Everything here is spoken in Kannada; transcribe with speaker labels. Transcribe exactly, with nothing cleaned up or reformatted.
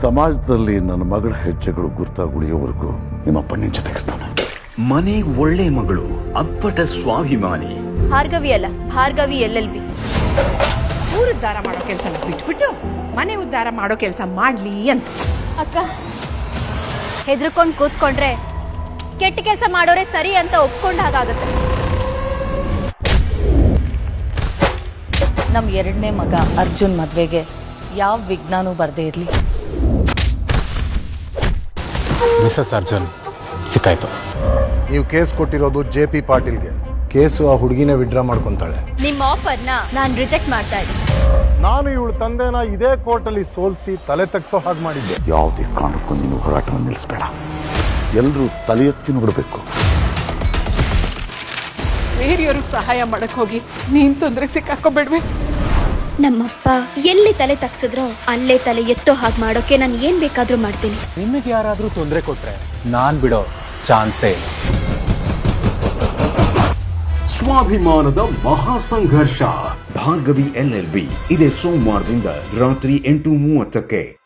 Speaker 1: ಸಮಾಜದಲ್ಲಿ ನನ್ನ ಮಗಳ ಹೆಜ್ಜೆಗಳು ಗುರ್ತಾಗುಳಿಯೋವರೆಗೂ ನಿಮ್ಮಪ್ಪ ನಿನ್ ಜೊತೆಗಿರ್ತಾನೆ.
Speaker 2: ಮನೆ ಒಳ್ಳೆ ಮಗಳು, ಅಪ್ಪಟ ಸ್ವಾಭಿಮಾನಿ.
Speaker 3: ಭಾರ್ಗವಿ ಅಲ್ಲ, ಭಾರ್ಗವಿ ಎಲ್ ಎಲ್ ಬಿ.
Speaker 4: ಊರು ಉದ್ಧಾರ ಮಾಡೋ ಕೆಲಸ ಬಿಟ್ಬಿಟ್ಟು ಮನೆ ಉದ್ಧಾರ ಮಾಡೋ ಕೆಲಸ ಮಾಡ್ಲಿ ಅಂತ.
Speaker 3: ಅಕ್ಕ, ಹೆದರ್ಕೊಂಡು ಕೂತ್ಕೊಂಡ್ರೆ ಕೆಟ್ಟ ಕೆಲಸ ಮಾಡೋರೆ ಸರಿ ಅಂತ ಒಪ್ಕೊಂಡ ಹಾಗಾಗತ್ತೆ.
Speaker 5: ನಮ್ಮ ಎರಡನೇ ಮಗ ಅರ್ಜುನ್ ಮದುವೆಗೆ ಯಾವ ವಿಘ್ನನೂ ಬರದೇ ಇರಲಿ.
Speaker 6: ಮಿಸಸ್ ಅರ್ಜುನ್ ಸಿಕ್ಕಾಯ್ತು.
Speaker 7: ನೀವು ಕೇಸ್ ಕೊಟ್ಟಿರೋದು ಜೆ ಪಿ ಪಾಟೀಲ್ಗೆ. ಕೇಸು ಆ ಹುಡುಗಿನೇ ವಿಡ್ರಾ ಮಾಡ್ಕೊಂತಾಳೆ.
Speaker 3: ನಿಮ್ಮ ಆಫರ್ನ ನಾನು ರಿಜೆಕ್ಟ್ ಮಾಡ್ತಾ ಇದ್ದೀನಿ.
Speaker 7: ನಾನು ಇವಳು ತಂದೆನ ಇದೇ ಕೋರ್ಟಲ್ಲಿ ಸೋಲಿಸಿ ತಲೆ ತಗ್ಸೋ ಹಾಗೆ ಮಾಡಿದ್ದೆ.
Speaker 1: ಯಾವುದೇ ಕಾರಣಕ್ಕೂ ನೀನು ಹೋರಾಟವನ್ನು ನಿಲ್ಲಿಸಬೇಡ. ಎಲ್ಲರೂ ತಲೆ ಎತ್ತಿ ನೋಡಬೇಕು.
Speaker 4: ಬೇರೆಯವ್ರಿಗೆ ಸಹಾಯ ಮಾಡಕ್ ಹೋಗಿ ನೀನ್ ತೊಂದರೆಗೆ ಸಿಕ್ಕಾಕೋಬೇಡ್ವೆ.
Speaker 8: ನಮ್ಮಪ್ಪ ಎಲ್ಲಿ ತಲೆ ತಗ್ಸಿದ್ರೋ ಅಲ್ಲೇ ತಲೆ ಎತ್ತೋ ಹಾಗೆ ಮಾಡೋಕೆ ನಾನು ಏನ್ ಬೇಕಾದ್ರೂ ಮಾಡ್ತೀನಿ.
Speaker 6: ನಿಮಗೆ ಯಾರಾದರೂ ತೊಂದರೆ ಕೊಟ್ರೆ ನಾನ್ ಬಿಡೋ ಚಾನ್ಸೇ ಇಲ್ಲ.
Speaker 2: ಸ್ವಾಭಿಮಾನದ ಮಹಾ ಸಂಘರ್ಷ. ಭಾರ್ಗವಿ ಎಲ್ ಎಲ್ ಬಿ ಇದೇ ಸೋಮವಾರದಿಂದ ರಾತ್ರಿ ಎಂಟು ಮೂವತ್ತಕ್ಕೆ.